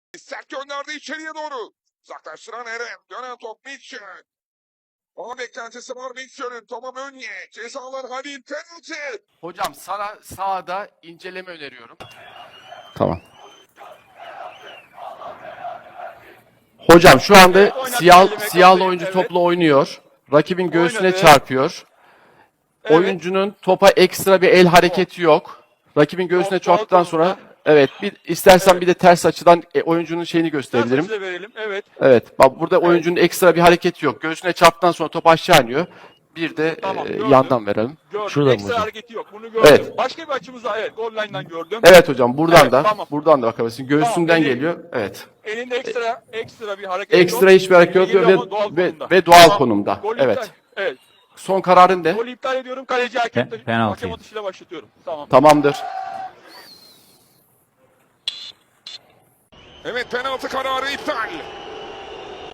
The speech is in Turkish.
Sert gönderdi içeriye doğru. Uzaklaştıran Eren. Dönen top Mitchell. Ama beklentisi var Mitchell'in. Toma Mönye. Cezalar Halil. Penaltı. Hocam sana sahada inceleme öneriyorum. Tamam. Hocam şu anda Evet, oynat elime, siyahlı kafayı. oyuncu Evet. topla oynuyor. Rakibin göğsüne Oynadı. çarpıyor. Evet. Oyuncunun topa ekstra bir el hareketi yok. Rakibin göğsüne Top doğal çarptıktan sonra konumda. evet istersen Evet. bir de ters açıdan oyuncunun şeyini gösterebilirim. Size verelim. Evet. Evet. Bak burada oyuncunun ekstra bir hareketi yok. Göğsüne çarptıktan sonra top aşağı iniyor. Bir de Tamam, gördüm. yandan verelim. Gördüm. Şurada mı Ekstra hocam? hareketi yok. Bunu gördüm. Evet. Başka bir açımız daha, evet. Goal line'dan gördüm. Evet hocam buradan Evet, da tamam. buradan da bakabilirsin. Göğsünden Tamam, geliyor. Evet. Elinde ekstra bir hareket yok. Ekstra hiçbir hareket yok Geliyor ve, ama doğal ve, konumda. ve doğal Tamam. konumda. Gol Evet. iptal. Evet. Son kararın ne? Golü iptal ediyorum. Kaleci hakem Penaltı. hakem atışıyla başlatıyorum. Tamam. Tamamdır. Evet penaltı kararı iptal.